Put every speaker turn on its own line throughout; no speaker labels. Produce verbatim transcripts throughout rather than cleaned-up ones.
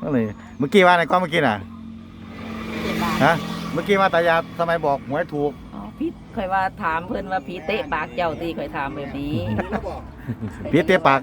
ก็เลยเมื่อกี้ว่าอะไรก็เมื่อกี้น่ะฮะเมื่อกี้ว่าตายาทำไมบอกหวยถูก
อ๋อพี่เคยว่าถามเพื่อนว่าพี่เตะปากเจ้าตีเคยถามแบบนี้
พี่เตี้ยปาก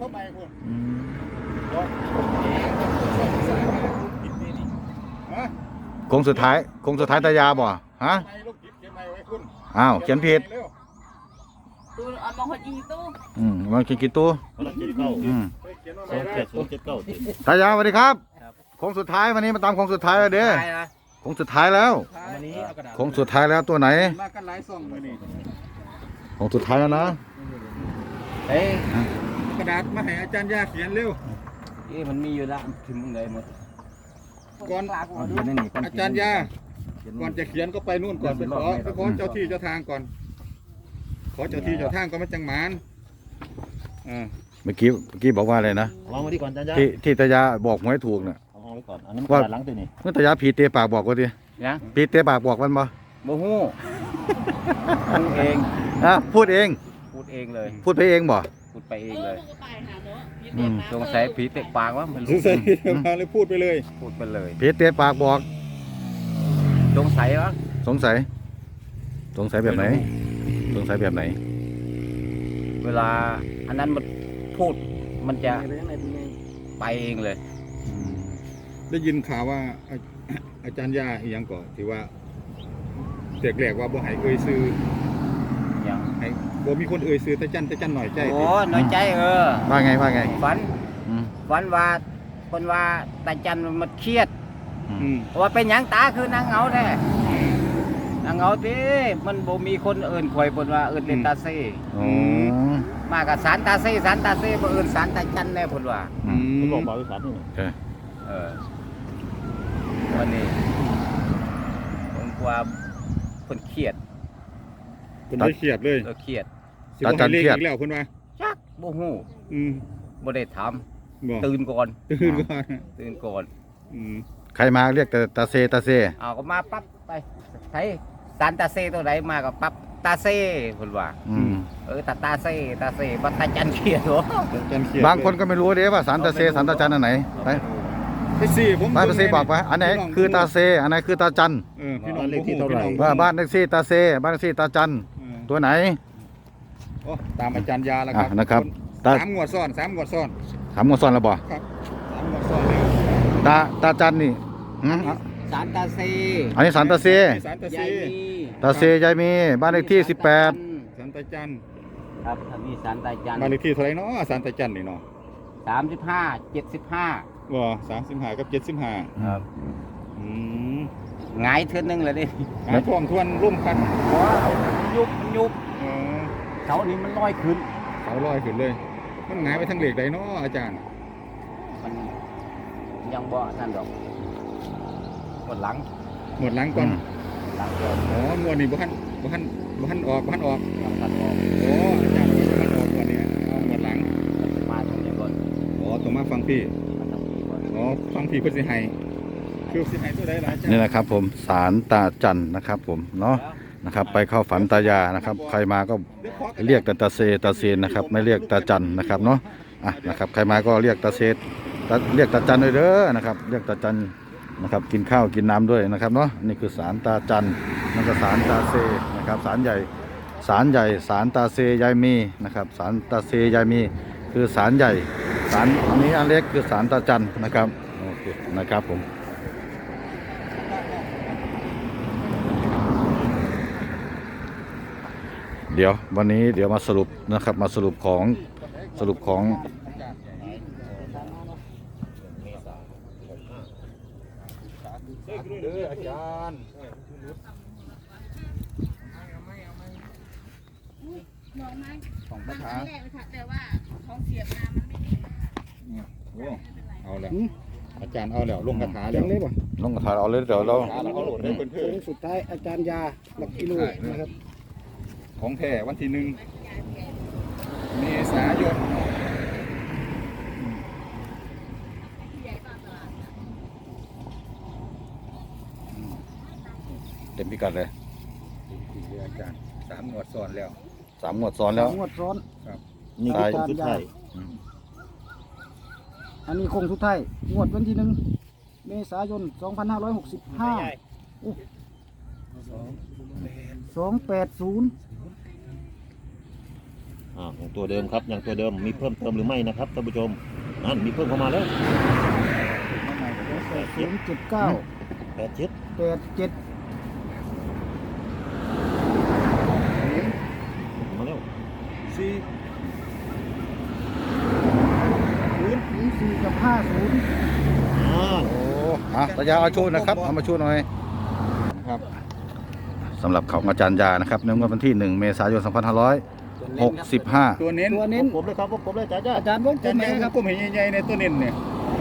คงสุดท้ายคงสุดท้ายตายาบ่ฮะอ้าวเขียนผิด
ตู้เอามาคนอีตู้
อืมมันกี่กี่ตัวอืม
สองเจ็ดสองเจ็ดเก้า
ตายาสวัสดีครับโค้งสุดท้ายวันนี้มาตามโค้งสุดท้ายแล้วเด้อโค้งสุดท้ายแล้วโค้งสุดท้ายแล้วตัวไหน
มากันหลายซองเลยนี่
โค้งสุดท้ายแล้วนะ
เฮ้ยกระดาษมาให้อาจารย์ยาเขียนเร็ว
เอ๊ะมันมีอยู่ละถึงมึงเลยหมด
ก่อนอาจารย์ยาก่อนจะเขียนก็ไปนู่นก่อนไปขอไปขอเจ้าที่เจ้าทางก่อนขอเจ้าที่เจ้าทางก็มาจังหมานอ่า
เมื่อกี้เมื่อกี้บอกว่าอะไรนะ
วางไว้ดีก่อนอาจารย์ยา
ที่ที่ตายาบอกหวยถูกเนี่ย
เอาไว้ก่อนอันนี้ว่าหลังตัวนี้
เมื่อตายาผีเตะปากบอกว่าดิ
นะ
ผีเตะปากบอกมันบ่
โมโหพูดเอง
อ่ะพูดเอง
พูดเองเลย
พูดไปเองบ่
พูดไปเองเลยสงสัยผีเตะปากวะมัน
สงสัยผีเตะปากเลยพูดไปเลย
พูดไปเลย
ผีเตะปากบอก
สงสัยวะ
สงสัยสงสัยแบบไหนสงสัยแบบไหน
เวลาอันนั้นมันพูดมันจะไปเองเลย
ได้ยินข่าวว่าอาจารย์ยาอีกอย่างก่อนที่ว่าเด็กแรกว่าบ่ให้เอ่ยซื้อ
อย่าง
ให้บ่มีคนเอ่ยซื้อแต่จันแต่จันหน่อยใจ
โอ้หน่อยใจเออ
ว่าไงว่าไง
ฝันฝันว่าคนว่าตาจันมันเครียดว่าเป็นหยังตาคือนางเหงาแท้นางเหงาดิมันบ่มีคนเอื่นข่อยบ่ว่าเอื่นเป็นตาเซ่มากับสารตาเซ่สารตาเซ่บ่เอื่นสารตาจันแน่เพิ่นว่า
อืมบอกบอกสารนี่
เออวันนี้ผมกว่าเพิ่นเครียด
เพิ่นได้เครียดเลย
เออเครียด
ตาจันเครียด
แล้วเพิ่นว่า
จักบ่ฮู้
อืม
บ่ได้ถามตื่นก่อน
ตื่นก่อน
ตื่นก่อน
อืมใครมาเรียกแต่ตาเซตาเซ
อ้าวก็มาปั๊บไปไผสารตาเซตัวไหนมาก็ปั๊บตาเซเพิ่นว่า
อืม
เออตาตาเซตาเซบ่ตาจันเครียดเหร
อบางคนก็ไม่รู้เด้ว่าสารตาเซสารตาจันอันไหนไป
ไปสิผม
บ้านตาเซบอกไปอันไหนคือตาเซอันไหนคือตาจัน
เออพี่น้องเลขที่เท่าไหร่
ว่าบ้านเลขที่ตาเซบ้านเลขที่ตาจันตัวไหน
โอ้ตามอาจารย์ยาแล้วครับ
นะครับ
สามงวดซ้อนสามงวดซ้อน
สามงวดซ้อนแล้วบ่
ครับสามงวดซ้อนแล้ว
ตาตาจันนี่
สารตาเซ
อันนี้สารตาเซ
สารตาเซ
ตาเซยายมีบ้านเลขที่สิบแปด
สารตาจัน
ครับถ้ามีสารตาจัน
บ้านเลขที่เท่าไหร่เนาะสารตาจันนี่เนาะ
สามสิบห้าเจ็ดสิบห้า
ว่าสามสิบห้ากับเจ็ดสิบห้า
ครับ
อืม
หงายเทือนนึงเลยดิ
หงายท่วงทวนร่มกัน
ว้ายุบยุบเสานี้มันลอยขึ้น
เสาลอยขึ้นเลยมันหงายไปทางเหล็กใดเนาะอาจารย์
มันยังบ่นั่นดอกหมดหลัง
หมดหลังก่อนหลังก่อนอ๋องวดนี้บ่ทันบ่ทันบ่ทันออกบ่ทันออก
บ่ทันออก
โอ้อาจารย์บ่ทันออกก่อนเนี่ยเอาหมดหลัง
มาตรงนี้ก่อน
อ๋อตรงมาฟังพี่อ๋อฟังพี่เพิ่นสิให้คือสิให้ตัวใดล่ะอาจารย์
นี่นะครับผมศาลตาจันนะครับผมเนาะนะครับไปเข้าฝันตายานะครับใครมาก็เรียกแต่ตาเซตาเซนนะครับไม่เรียกตาจันนะครับเนาะอ่ะนะครับใครมาก็เรียกตาเซเรียกตาจันด้วยเด้อนะครับเรียกตาจันนะครับกินข้าวกินน้ำด้วยนะครับเนาะนี่คือศาลตาจันนั่นก็ศาลตาเซนะครับศาลใหญ่ศาลใหญ่ศาลตาเซยายมีนะครับศาลตาเซยายมีคือศาลใหญ่ศาลอันนี้อันเล็กคือศาลตาจันนะครับโอเคนะครับผมเดี๋ยววันนี้เดี๋ยวมาสรุปนะครับมาสรุปของสรุปของ
เด้ออาจารย์ของประธาน
แต่ว่าของเสียบน้ำมันไม่ดี
โอ้เอาแล้วอาจารย์เอาแล้วลงกระถาแล้ว
ลงกระถาเอาเลยเดี๋ยวเรา
เอาโหลดได้เพิ่น
สุดท้ายอาจารย์ยาหลักกิโลนะครับ
ของแท้วันที่หนึ่งเมษายน
เต็มพิกัดเลย
อาจารย์สามงวดซ้อนแล้ว
สามงวดซ้อนแล้ว
งวดซ้อน
ครับ
นี่คือสุดท้าย
อันนี้คงสุดท้ายงวดวันที่หนึ่งเมษายนสองพันห้าร้อยหกสิบห้าสองแปดศูนย์
อ่าของตัวเดิมครับอย่างตัวเดิมมีเพิ่มเติมหรือไม่นะครับท่านผู้ชมนั่นมีเพิ่มเข้ามาแล้ว
ศูนย์เจ็ดเก้า
แปดเจ็ด
แปดเจ็ด
มาแล้ว
สี่ศูนย์
ศูนย์สี่กับห้าศูนย์
อ่า
โอ้อ่ะตายาเอาโชว์นะครับเอามาโชว์หน่อย
ครับ
สำหรับของอาจารย์ยานะครับในงวดวันที่หนึ่งเมษายนสองพันห้าร้อยหกสิบห้า
ตัวเน้น
ตัวเน้น
ผมเลยครับผมเลยจ้าจ้า
อาจารย์วงกล
จัน
มไหน
ยา
ค
ค
รั
รั
บบ
ผมเห็นใหญ่ๆในตัวเน้นเนี่ย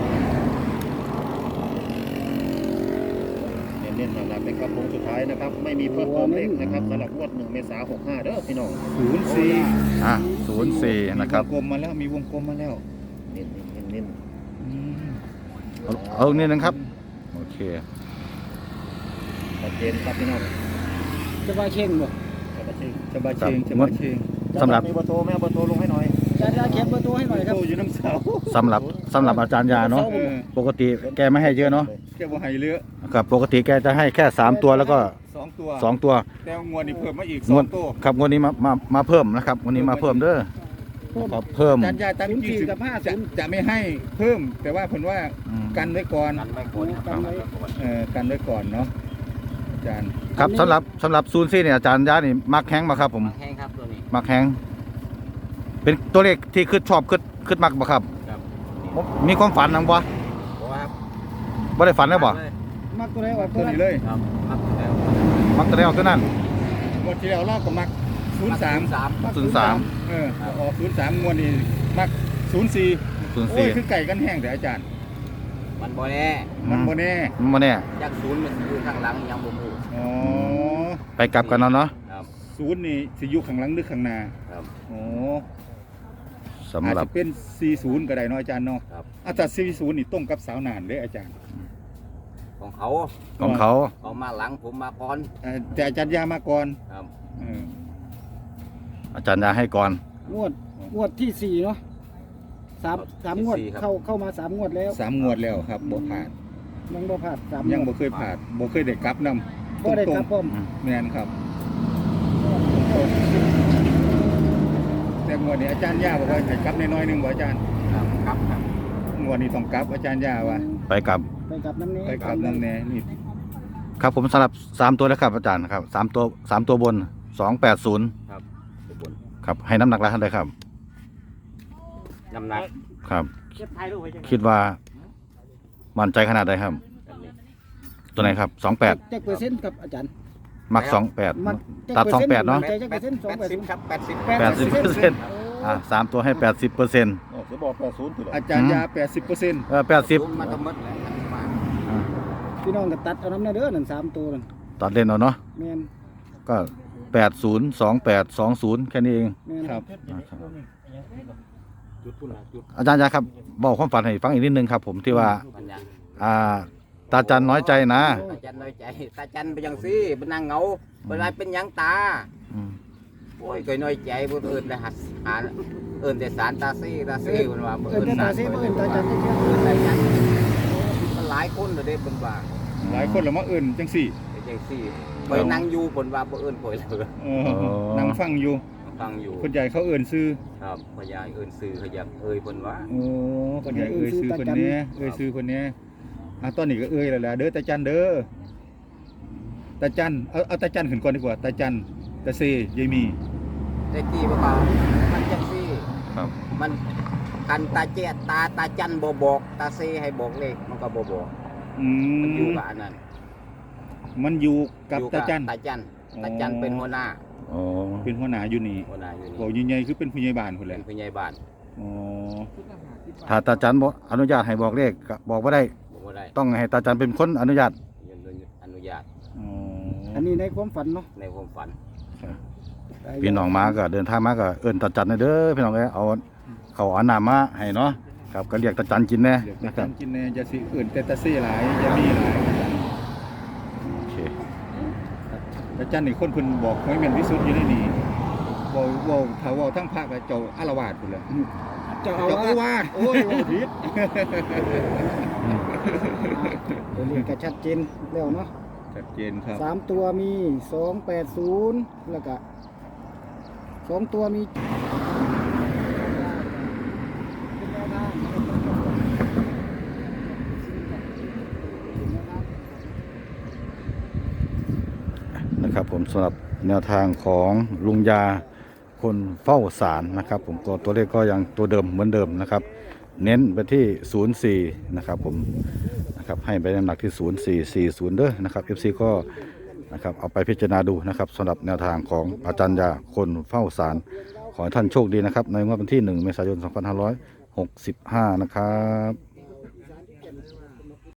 เน้นๆนั่นแหละเป็นครับวงสุดท้ายนะครับไม่มีเพิ่มเติมเลขนะครับสำหรับงวดหนึ่งเมษายนหกห้าเด้อพี่น้อง
ศูนย์สี่
อ่ะศูนย์สี่นะครับ
มีวงกลมมาแล้วมีวงกลมมาแล้ว
เน้นเน้นเน้น
อืม
เอาเอานี่นะครับโอเค
ชัดเจนครับพี่น้อง
จะว่าเข่งบ่
ชัดเจน
จะบาเชงจะบาเชง
สำหรับ
มีเบอร์โทรแม่เบอร์โทรลงให้หน่อย
อาจารย์ยาเขียนเบอร์โทรให้หน่อยครับ
โตอยู่น้ำเสา
สำหรับสำหรับอาจารย์ยาเนาะ
เออ
ปกติแกไม่ให้เยอะเนาะ
แค่บ่ให้เลือ
ครับปกติแกจะให้แค่สามตัวแล้วก็
สองตัว
สองตัว
แต่งวดนี้เพิ่มมาอีกส
ง
อ
ว
ง
ด
ตัว
ครับงวดนี้มามามาเพิ่มนะครับงวดนี้มาเพิ่มเด้อครับเพิ่ม
จันยาตั้ง
ศูนย์
ยี่
สี่
สิบ
กับห้า
จะ
ศูนย์
จะไม่ให้เพิ่ม แต่ว่าเพิ่นว่า
อืม
กันไว้ก่อน
กันไม่ควร
กันไว้
เออกันไว้ก่อนเนาะอาจารย์
ครับสำหรับสำหรับซูนซี่เนี่ยอาจารย์ยานี่มักแข้งมาครับผม
แห้งครับตัวนี้
มักแข้งเป็นตัวเลขที่ขึ้นชอบขึ้นขึ้นมักบ่ครับ
ครับ
มีความฝันนังบ่
เพราะว่า
บ่ได้ฝันเลยบ่
มักตัวไหนออกตั
ตัว ว
นั้น
นี้เลย
ครับมักแล้ว
มักตัวใดออกตัวนั้น
งวดที่แล้วเราก็มักศูนย์สาม
สาม
ศูนย์สาม
เออออกศูนย์สามงวดนี้มักศูนย์สี่
ศูนย์
โอ้
สี่
ยคือไก่กันแห้งแต่อาจารย์
มันบ่แน่
มันบ่แน่
มันบ่แน่
จากศูนย์มันสิอยู่ข้างหลังยังบ่ฮู้
อ๋อ
ไปกลับกันเนาะเนาะ
ครับ
ศูนย์นี่สิอยู่ข้างหลังหรือข้างหน้า
ครับ
อ๋อ
สำ
อาจ
หรับ
จะเป็นสี่ศูนย์ก็ได้เนาะอาจารย์เนาะ
ครับ
อาจารย์สี่ศูนย์นี่ตรงกับสาวนานเด้อาจารย์
ของเขา
ของเขา
เอามาหลังผมมาก่อน
เอ่อแต่อาจารย์ยามาก่อน
ครับ
เออ
อาจารย์ยาให้ก่อน
งวดงวดที่สี่เนาะสามสามงวดเข้าเข้ามาสามงวดแล้ว
สามงวดแล้วครับบ่ผ่าน
ยังบ่ผ่านสาม
ยัง
ง
บ่
วด
เคยผ่านบ่เคยได้กลับนำ
บ่ได้ครับผม
แม่นครับ แต่งวดนี้อาจารย์ย่าบอกว่าให้กลับน้อยๆหนึงบ่อาจารย์
ครับครับครับ
งวดนี้ต้องกลับอาจารย์ย่าว่า
ไปกลับ
ไปกับน้ำนี้
ไปกลับนำแน่นี่
ครับผมสำหรับสามตัวแล้วครับอาจารย์ครับสามตัวสามตัวบนสองแปดศูนย์
ครับทุกคน
ครับให้น้ำหนักแล้วเท่าไหร่ครับ
น้ำหนัก
ครับ
เก็บถ่ายรูปไว้จัง
คิดว่ามั่นใจขนาดใดครับ ตัวไหนครับสองแปด
เจ็ดเปอร์เซ็นต์ครับอาจารย์
มักสองแปด
มัก
ตัดสองแปดเนาะ
ใจเจ็ดเปอร์เซ็นต์สองแปดศูนย์
ครับแปดสิบ
แปดสิบเปอร์เซ็นต์อ่าสามตัวให้แปดสิบเปอร์เซ็นต์
อ๋อจะบอกแปดศูนย์ถูกหรอ
อาจารย์ย่าแปดสิบเปอร์เซ็นต์
เออแปดสิบ
มาทั้งหมดแล้วทั้งมา
พี่น้องก็ตัดเอาน้ำเด้อนั่นสามตัวนั่น
ตัดเล่นเอาเนาะ
แมน
ก็แปดศูนย์สองแปดสองศูนย์แค่นี้เอง
แมน
ครับ
จุดพุ่นละจุด
อาจารย์ยาครับบอกความฝันให้ฟังอีกนิดนึงครับผมที่ว่า
มันยัง
อ่าตาจันน้อยใจนะ
ตาจันน้อยใจตาจันไปยังซี่เป็นนางเหงาเป็นไรเป็นหยังตา
อืม
โอ้ยเคยน้อยใจบ่เอิ้นได้หัดหาเอิ้นแต่สารตาซี่ตาซี่มันว่าบ่
เอิ้นแต่ตาเซ่บ่เอิ้นตาจันเด้อ
เอิ้นตาจันมันหลายคนเลยเด้เพิ่นว่า
หลายคนละมาเอิ่นจังสี่
เป็นจังซี่ไปนั่งอยู่เพิ่นว่าบ่เอิ้นข่อยเลย
เออนั่งฟังอยู่
ฟังอยู่
คนใหญ่เขาเอิ่นซื้อ
ครับพญาเอิ้นซื่อเขาอยากเอ่ยเพิ่นว่า
โอ้คนใหญ่เอ่ยซื้อคนนี้เอ่ยซื้อคนนี้อ่ะตอนนี้ก็เอ่ยแล้วแหละเด้อตาจันเด้อตาจันเอาเอาตาจันขึ้นก่อนดีกว่าตาจันตาเซยายมี
แต่กี้บ่ว่ามันจังซี่
ครับ
มันกันตาเจดตาตาจันบ่บอกตาเซให้บอกเลขมันก็บ่บอก
อื
มันอยู่
ม
กับอันนั้น
มันอยู่กับ
อยู่
ตาจัน
ตาจันตาจัน
อ๋อ
เป็นหัวหน้า
อ๋อ
เป็นหัวหน้าอยู่นี่
หัวหน้าอยู่นี่
บอกใหญ่ๆคือเป็นผู้ใหญ่บ้านคนแห
เป็
ละ
นผู้ใหญ่บ้าน
อ๋อ
ถ้าตาจันบอกอนุญาตให้บอกเลขก็บอกว่าได้
บอกว่าได้
ต้องให้ตาจันเป็นคนอนุญาต
ยืนอนุญาต
อ๋อ
อันนี้ในความฝันเนาะ
ในความฝัน
พี่น้องมาก็เดินทางมาก็เอิ้นตาจันเด้อพี่น้องเอ้ยเอาเขาเอาน้ำมาให้เนาะครับก็เรียกตาจันกินแน่
เดี๋ยว
นะ
ตา
ครั
จั
บ
นกินแน่จะสิอื่นแต่ตาเซหลายยายมีหลาย
โอเค
ตาจันนี่คนเพิ่นบอกหวยแม่นที่สุดอยู่ในนี่บ่บ่ถ้าเว้าทั้งภาคเจ้าอารวาสพุ่นแหละ
เจ้าอา
เจ้าอาว
าส
าสโอ้ยว่าผิด
ตัวเลขก็ชัดเจนแล้วเนาะ
ชัดเจนครับ
สามตัวมีสองแปดศูนย์แล้วก็สองตัวมี
นะครับผมสำหรับแนวทางของลุงยาคนเฝ้าศาลนะครับผมตัวตัวเลขก็ยังตัวเดิมเหมือนเดิมนะครับ เน้นไปที่ศูนย์สี่นะครับผมนะครับให้ไปน้ำหนักที่ศูนย์สี่สี่ศูนย์เด้อนะครับ เอฟ ซี ก็นะครับเอาไปพิจารณาดูนะครับสำหรับแนวทางของอาจารย์ยาคนเฝ้าศาลขอให้ท่านโชคดีนะครับในงวดวันที่หนึ่งเมษายนสองพันห้าร้อยหกสิบห้านะครับ